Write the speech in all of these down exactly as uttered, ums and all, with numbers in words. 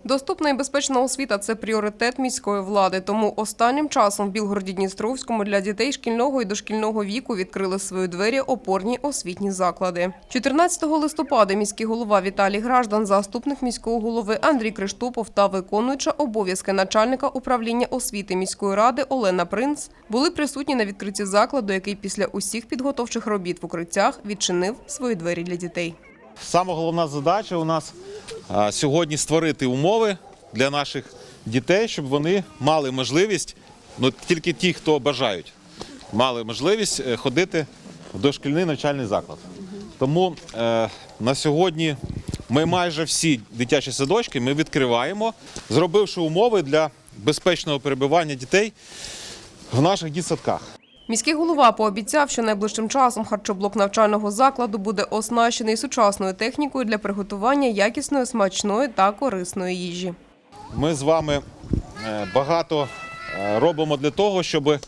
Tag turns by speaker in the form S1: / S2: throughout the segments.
S1: Доступна і безпечна освіта – це пріоритет міської влади. Тому останнім часом в Білгороді-Дністровському для дітей шкільного і дошкільного віку відкрили свої двері опорні освітні заклади. чотирнадцятого листопада міський голова Віталій Граждан, заступник міського голови Андрій Криштопов та виконуюча обов'язки начальника управління освіти міської ради Олена Принц були присутні на відкритті закладу, який після усіх підготовчих робіт в укриттях відчинив свої двері для дітей.
S2: Саме головна задача у нас сьогодні створити умови для наших дітей, щоб вони мали можливість, ну тільки ті, хто бажають, мали можливість ходити в дошкільний навчальний заклад. Тому е, на сьогодні ми майже всі дитячі садочки ми відкриваємо, зробивши умови для безпечного перебування дітей в наших дитсадках.
S1: Міський голова пообіцяв, що найближчим часом харчоблок навчального закладу буде оснащений сучасною технікою для приготування якісної, смачної та корисної їжі.
S2: Ми з вами багато робимо для того, щоб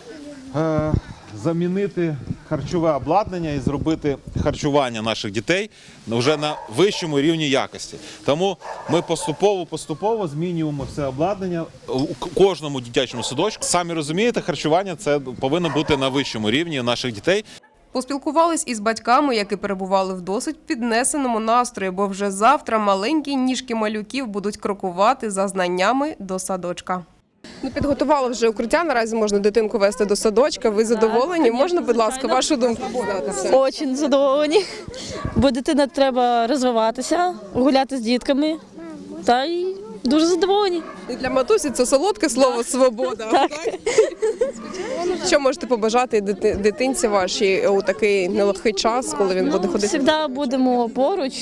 S2: замінити харчове обладнання і зробити харчування наших дітей вже на вищому рівні якості. Тому ми поступово-поступово змінюємо все обладнання у кожному дитячому садочку. Самі розумієте, харчування це повинно бути на вищому рівні наших дітей.
S1: Поспілкувались із батьками, які перебували в досить піднесеному настрої, бо вже завтра маленькі ніжки малюків будуть крокувати за знаннями до садочка. Ну, підготували вже укриття, наразі можна дитинку вести до садочка. Ви задоволені? Можна, будь ласка, вашу думку?
S3: Дуже задоволені, бо дитина треба розвиватися, гуляти з дітками, та й дуже задоволені.
S1: І для матусі це солодке слово «свобода».
S3: Так.
S1: Що можете побажати дитинці вашій у такий нелегкий час, коли він буде ходити?
S3: Завжди будемо поруч,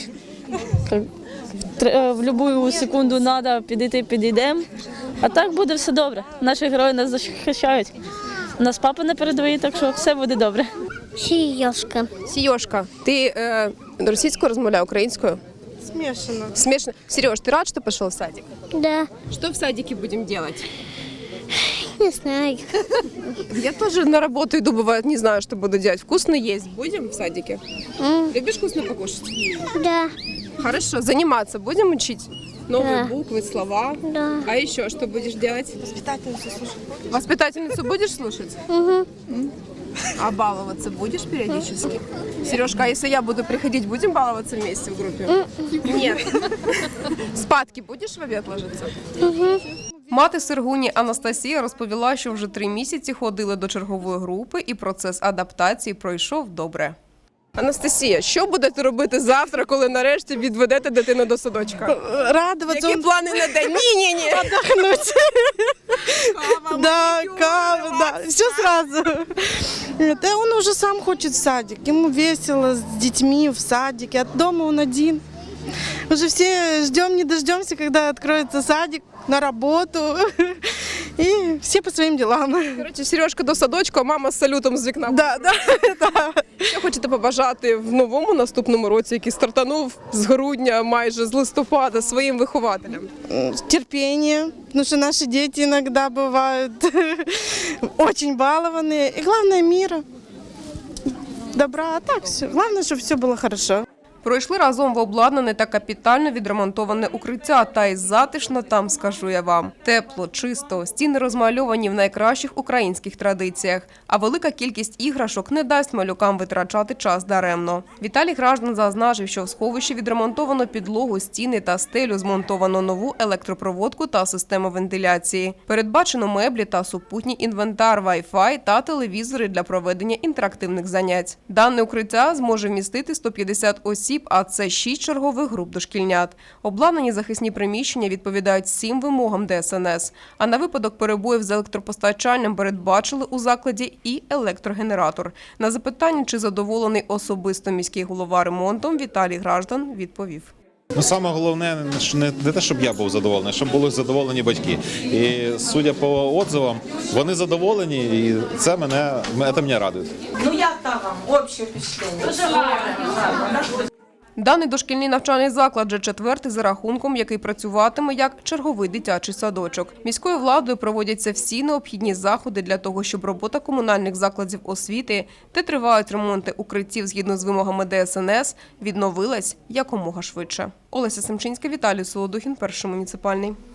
S3: в будь-яку секунду треба підійти, підійдемо. А так буде все добре. Наші герої нас захищають. У нас папа на передовій, так що все буде добре.
S4: Сіёшка.
S1: Сіёшка, ти е, російською розмовляєш, українською?
S4: Смешано.
S1: Смешно. Сереж, ты рад, что пошел в садик?
S4: Да.
S1: Что в садике будем делать?
S4: Не знаю.
S1: Я тоже на работу иду, бывает, не знаю, что буду делать. Вкусно есть будем в садике?
S4: М,
S1: Любишь вкусно покушать?
S4: Да.
S1: Хорошо. Заниматься будем учить? Новые
S4: Да.
S1: буквы, слова?
S4: Да.
S1: А еще что будешь делать? Воспитательницу слушать. Воспитательницу будешь слушать?
S4: Угу.
S1: А баловаться будешь периодически? Сережка, а если я буду приходить, будем баловаться вместе в группе? Нет. Спадки будешь в обед ложиться?
S4: Угу.
S1: Мати Сергуні Анастасія розповіла, що вже три місяці ходили до чергової групи і процес адаптації пройшов добре. Анастасія, що будете робити завтра, коли нарешті відведете дитину до садочка?
S5: Радоваться.
S1: Які плани на день? Ні-ні-ні.
S5: Отдохнуть. Да, кава, да, все сразу. Да, он уже сам хочет в садик. Ему весело с детьми в садике. От дома он один. Уже все ждем, не дождемся, когда откроется садик, на работу. И все по своим делам.
S1: Коротше, Сережка до садочку, а мама з салютом з вікна.
S5: Да, да, да.
S1: Що хочете побажати в новому наступному році, який стартанув з грудня, майже з листопада, своїм вихователям?
S5: Терпение, потому что наши дети иногда бывают очень балованные. И главное мира, добра, а так все. Главное, чтобы все было хорошо.
S1: Пройшли разом в обладнане та капітально відремонтоване укриття. Та й затишно там, скажу я вам. Тепло, чисто, стіни розмальовані в найкращих українських традиціях. А велика кількість іграшок не дасть малюкам витрачати час даремно. Віталій Граждан зазначив, що в сховищі відремонтовано підлогу, стіни та стелю, змонтовано нову електропроводку та систему вентиляції. Передбачено меблі та супутній інвентар, вай-фай та телевізори для проведення інтерактивних занять. Дане укриття зможе вмістити сто п'ятдесят осіб, а це шість чергових груп дошкільнят. Обладнані захисні приміщення відповідають всім вимогам Де Ес Ен Ес. А на випадок перебоїв з електропостачанням передбачили у закладі і електрогенератор. На запитання, чи задоволений особисто міський голова ремонтом, Віталій Граждан відповів.
S2: Ну, саме головне не, не те, щоб я був задоволений, щоб були задоволені батьки. І судя по відзивам, вони задоволені, і це мене, це мене радує.
S6: Ну як там вам? Общее впечатлення? Дуже гарно.
S1: Даний дошкільний навчальний заклад вже четвертий за рахунком, який працюватиме як черговий дитячий садочок. Міською владою проводяться всі необхідні заходи для того, щоб робота комунальних закладів освіти, де тривають ремонти укриттів згідно з вимогами Де Ес Ен Ес, відновилась якомога швидше. Олеся Семчинська, Віталій Солодухін, Перший муніципальний.